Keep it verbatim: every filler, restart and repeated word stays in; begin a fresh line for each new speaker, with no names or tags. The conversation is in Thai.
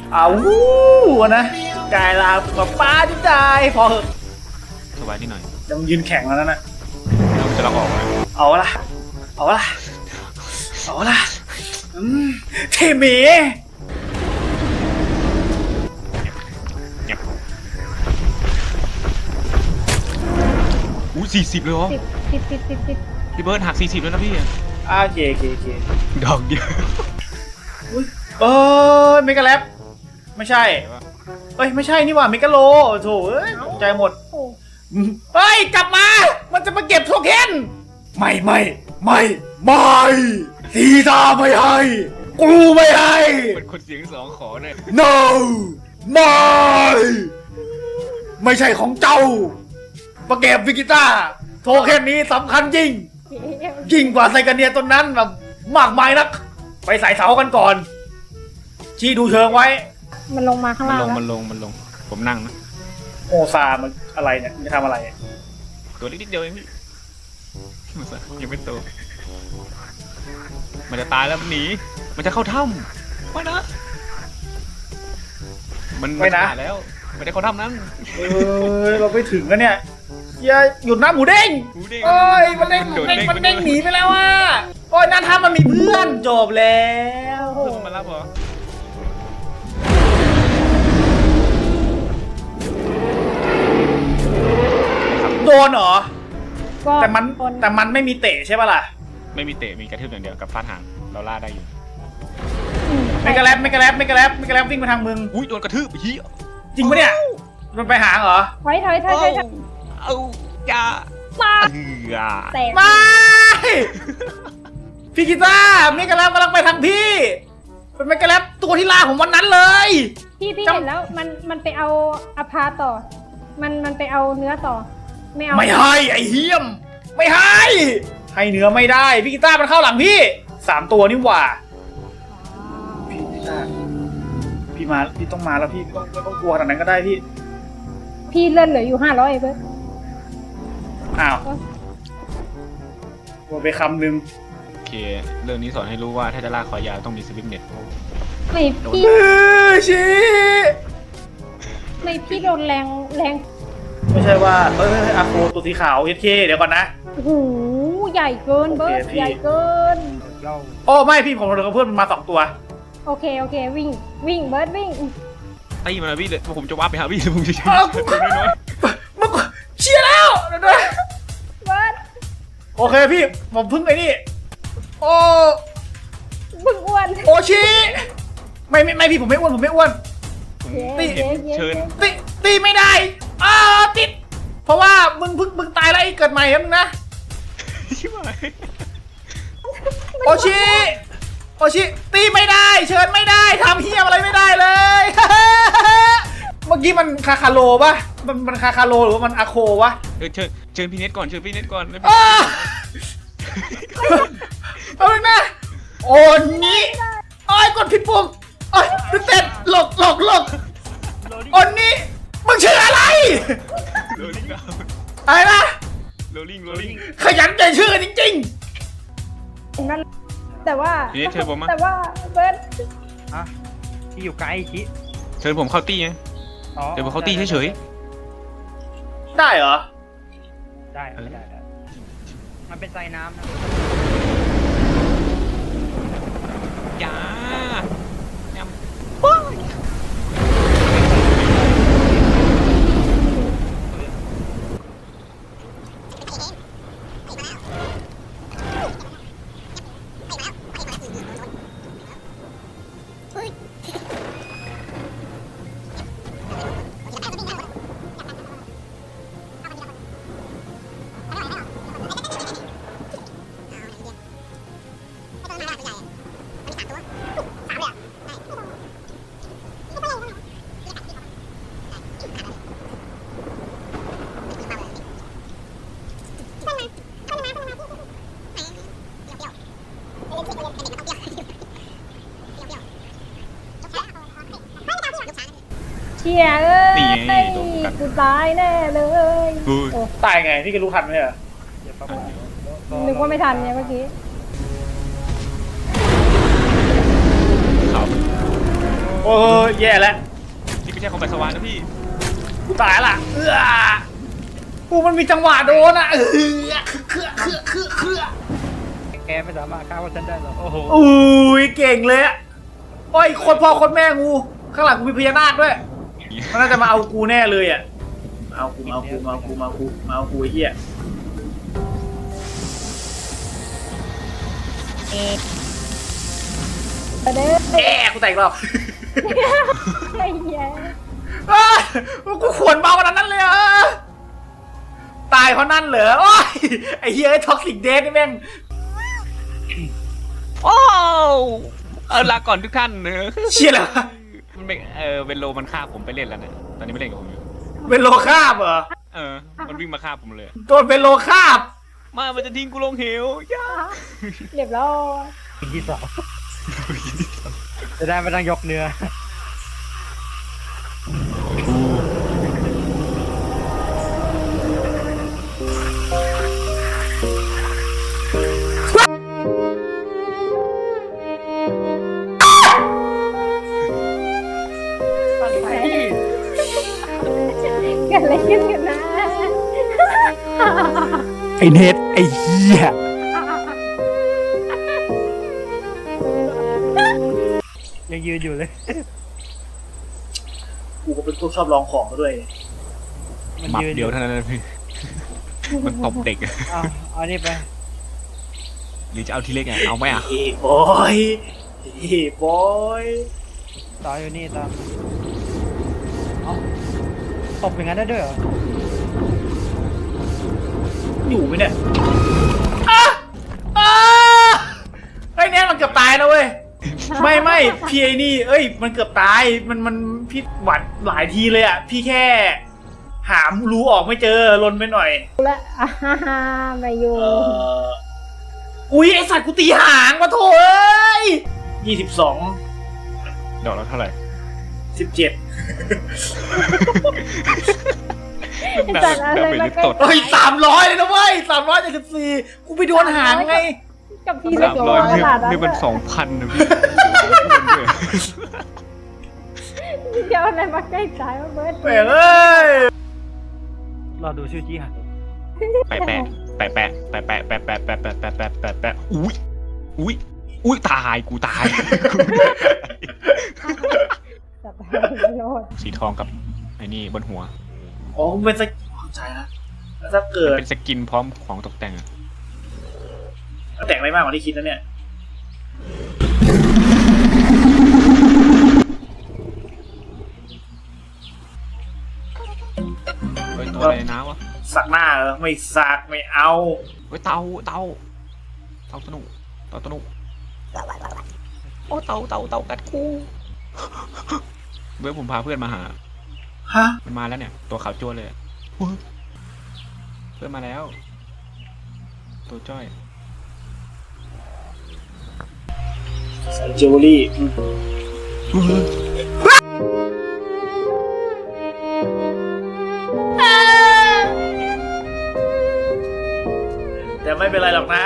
เอาวู้นะกายลากับป้าที่ใจพอเหอะ
สบายนิดหน่อย
จะมึงยืนแข่งแล้วนั่นน่ะ
เราจะเราออกไหม
เอาละเอาละเอาละอืมเทเม
เงียบอู้สี่สิบเลยเหรอ
ติดติดติดติดติด
พี่เบิร์ดหักสี่สิบแล้วนะพี่
อ่าเจเจเจ
ดอกเดียว
อุ้ยเออเมกาแลบไม่ใช่เอ้ยไม่ใช่นี่หว่าเมกาโลโถเอ้ยตกใจหมด
โอ้
เฮ้ยกลับมา มันจะมาเก็บโทเค็นไม่ไม่ไม่ไม่ทีตาไม่ให้กูไม่ให้
เป็นคนเสียงสองขอเนี่ย
no ไม่ไม่ใช่ของเจ้ามาเก็บวิกิต้าโทเค็นนี้สำคัญจริงยิ่งกว่าไซกาเนียต้นนั้นแบบมากมายนักไปใส่เสากันก่อนชี้ดูเชิงไว้
มันลงมาข้าง
มัน
ล่าง
ลง
แล้ว
มันลงมันลงผมนั่งนะ
โอซามันอะไรเนี่ยมันจะทำอะไร
ตัวเล็กนิดเดียวเองพี่ยังไม่โตมันจะตายแล้วมันหนีมันจะเข้าถ้ำไม่นะมันมันตายแล้วมันจะเข้าถ้ำนั้น
เออเราไปถึงแล้วเนี่ยอย่าหยุดนะหมูเด้ง
หมูเด้ง
โอ้ยมันเด้งมันเด้งมันเด้งหนีไปแล้วอ่ะโอ้ยนั่นถ้ามันมีเพื่อนจบแล้ว
เพื่อนมารับเหรอ
โดนเหรอ
ก็
แต่มัน
คน
แต่มันไม่มีเตะใช่ป่ะล่ะ
ไม่มีเตะมีกระทืบอย่างเดียวกับฟาดหางเราล่าได้อยู่
อื
ไม่กระแลบไม่กระแลบไม่กระแลบไม่กระแลบวิ่งมาทางมึง
อุ้ยโดนกระทืบเฮีย
จริงปะเนี่ยมันไปหางเหรอ
ถอยถอยถอยถอยถอย
เอาอย่า
มา
เอือ
แตก
ไม่พี่กีตาร์ไม่กระแลบกำลังไปทางพี่เป็นไม่กระแลบตัวที่ล่าผมวันนั้นเลย
พี่พี่
จำ
เห็นแล้วมันมันไปเอาอภาต่อ มันมันไปเอาเนื้อต่อ ไม่เอา
ไม่ให้ไอ้เฮียมไม่ให้ให้เนื้อไม่ได้พี่กีตาร์มันเข้าหลังพี่สามตัวนี่หว่า
อ๋อ
พี่กีตาร์พี่มาพี่ต้องมาแล้วพี่ไม่ต้องไม่ต้องกลัวขนาดนั้นก็ได้พี่
พี่เลื่อนเหลืออยู่ห้าร้อยเบิร์ด
อ้าวกลัวไปคำหนึ่ง
โอเคเรื่องนี้สอนให้รู้ว่าถ้าจะล่าคอยาวต้องมีสวิปเน็ต
ไม่พี่
เออชี้
ไม่พี่โดนแรงแรง
ไม่ใช่ว่าเอ้ยอาโคตัวสีขาวเอสเคเดี๋ยวก่อนนะ
โอ้โหใหญ่เกินเบิร์ด
โอเคพี่
ใหญ่เกิน
โอ้ไม่พี่ผมเหลือกับเพื่อนมันมาสองตัว
โอเคโอเควิ่งวิ่งเบิร์ดวิ่ง
ไอ้มาพี่เลยผมจะว่าไปหาพี่ผมจะใช้
อ้าว
ตัวน้อย
มึงเชียร์แล้วเดี๋ยวนะ
เบิร์ด
โอเคพี่ผมเพึ่งไอ้นี่โอ้
บึ้งอ้วน
โอชิไม่ไม่ไม่พี่ผมไม่อ้วนผมไม่อ้วน
ๆผม
เย้
นี่
เย้เย้
เชิญ
ตีตีไม่ได้อ้าวติด เพราะว่ามึงเพึ่งมึงตายแล้วไอ้เกิดใหม่แล้วมึงนะ
ชิบหาย
โอชิโอชิตีไม่ได้ เชิญไม่ได้ทำเฮียอะไรไม่ได้เลย เมื่อกี้มันคาคาโลปะมันมันคาคาโลหรือว่ามันอาโควะ
เออเชิญเชิญพี่เน็ตก่อนเชิญพี่เน็ตก่อนแล้ว
อ้าเอาเลยนะโอ้นี้โอ้ยกดผิดปุ่มโอ้ยเต้นหลบหลบหลบโอ้นี้มึงชื่ออะไร
โรลลิ่ง
อะไรนะ
โรลลิ่งโรลลิ่ง
ขยันใจชื่อจริง
นั่นแต่ว่า
พี่เน็ตเชิญผมมา
แต่ว่าเบิร์ด
อะที่อยู่ไกลชิ
เชิญผมเข้าตี้ไง
อ๋อ
เดี๋ยวผมเข้าตี้เฉย
ๆ ได้เหรอ
ได้ได้ได้ได้มันเป็นไซน้ำนะ
ๆอย่าอย่า
เชียร์เอ้ย
นี่ไงโดนกัด
กูตายแน่เลย
กู
โอ้
ตายไงพี่ก็รู้ทันไหมเหรอ
เดี๋ยวประมาณ
นึกว่าไม่ทันเนี่ยเมื่อกี้
เขา
โอ้
โอ้ยแย่แล้ว
นี่ไม่ใช่ของไปสวรรค์นะพี่
กูตายละเออกูมันมีจังหวะโดนอ่ะเออเครือเครือเครือเครือ
แกไม่สามารถฆ่าพวกฉันได้หรอกโอ้โห
อุ้ยเก่งเลยอะโอ้ยคนพ่อคนแม่งูข้างหลังกูมีพญานาคด้วยมันน่าจะมาเอากูแน่เลยอ่ะมาเอากูมาเอากูมาเอากูมาเอากูมาเอากูไอ้เหี้ย
ไปเด้อ
แย่กูแตกรอบ
ไอ้เหี้ย
อ้ากูขวนเบาขนาดนั้นเลยเหรอตายเพราะนั่นเหรอโอ้ยไอ้เหี้ยไอ้ท็อกซิกเดทนี่แม่ง
โอ้เออลาก่อนทุกท่านเนอะ
เชี่ยแล้วะ
มันไม่เออเวนโลมันฆ่าผมไปเล่นแล้วเนี่ยตอนนี้ไม่เล่นกับผมอยู่
เป็นโลคาบเหรอ
เออมันวิ่งมาฆ่าผมเลย
โดนเป็นโลคาบ
มามันจะทิ้งกูลงเหวย่า
เรียบร้อย
ปีที่สองจะได้ไม่ต้องยกเนื้อ
เกิดอะไรขึ้นกันนะ
ไอเน็ตไอเหี้ย
ยังยืนอยู่เลย
กูก็เป็นพวกชอบลองของมาด้วย
มัน
หมับ
ยืนอ
เดียวเท่านั้นนะพี่มันตบเด็กอะ
เอาเอานี่ไป
หรือจะเอาทีเล็กไงเอาไหมอ่ะ
เฮ้บอยเฮ้บอย
ต่ออยู่นี่ต่อเอาตบอย่างนั้นได้ด้วยเหรอ
อยู่ไหมเนี่ยอ่ะอ่ะไอ้เนี่ยมันเกือบตายนะเว้ย ไม่ไม่พี่ไอ้นี่ เอ้ย มันเกือบตาย มันมันพี่หวัดหลายทีเลยอ่ะ พี่แค่ หามรูออกไม่เจอลนไปหน่อย
ละอ่าฮ่าฮ่ามาอยู่
เอออุ้ยไอสัตว์กูตีหางมาโถเอ้ยยี่สิบสอง
ดอกแล้วเท่าไหร่
สิบเจ็ด
ดาเมจดาเมจลิฟต์ตด
เฮ้ยสามร้อยเลยนะเว้ยสามร้อยเจ็ดสิบสี่กูไปโดนหางไง
กับพี่เล็
สาก มร้อย
ขนาดนั้น
นี่มันสองพันนะพี่
เดี๋ยวอะไรมาใกล้ตายวะเบิร์ด
แปลกเอ้ย
รอดูชื่อจี้หัน
แปะแปะแปะแปะแปะแปะแปะแปะแปะแปะแปะแปะแปะแปะอุ้ยอุ้ยอุ้ยตายกูตาย
จับไปโลด
สีทองกับไอ้นี่บนหัว
อ๋อมันเป็นสกิลเข้าใจนะแล้วถ้าเกิ
มัน
ด
เป็นสกินพร้อมของตกแต่งอะ
แต่งอะไรมากกว่าที่คิดนะเนี่ย
เฮ้ยตัวอะไรในน้ำวะ
สักหน้าเหรอไม่สักไม่เอา
เฮ้ยเตาเตาเตาสนุกเตาสนุกโอ้เตาเตาเตากัดกูเว้ยผมพาเพื่อนมาหา
ฮะ
มันมาแล้วเนี่ย ตัวขาวจ้วนเลยอะเพื่อนมาแล้ว ตัวจ้อย
ใส่จิวเวลรี่อืมแต่ไม่เป็นไรหรอกนะ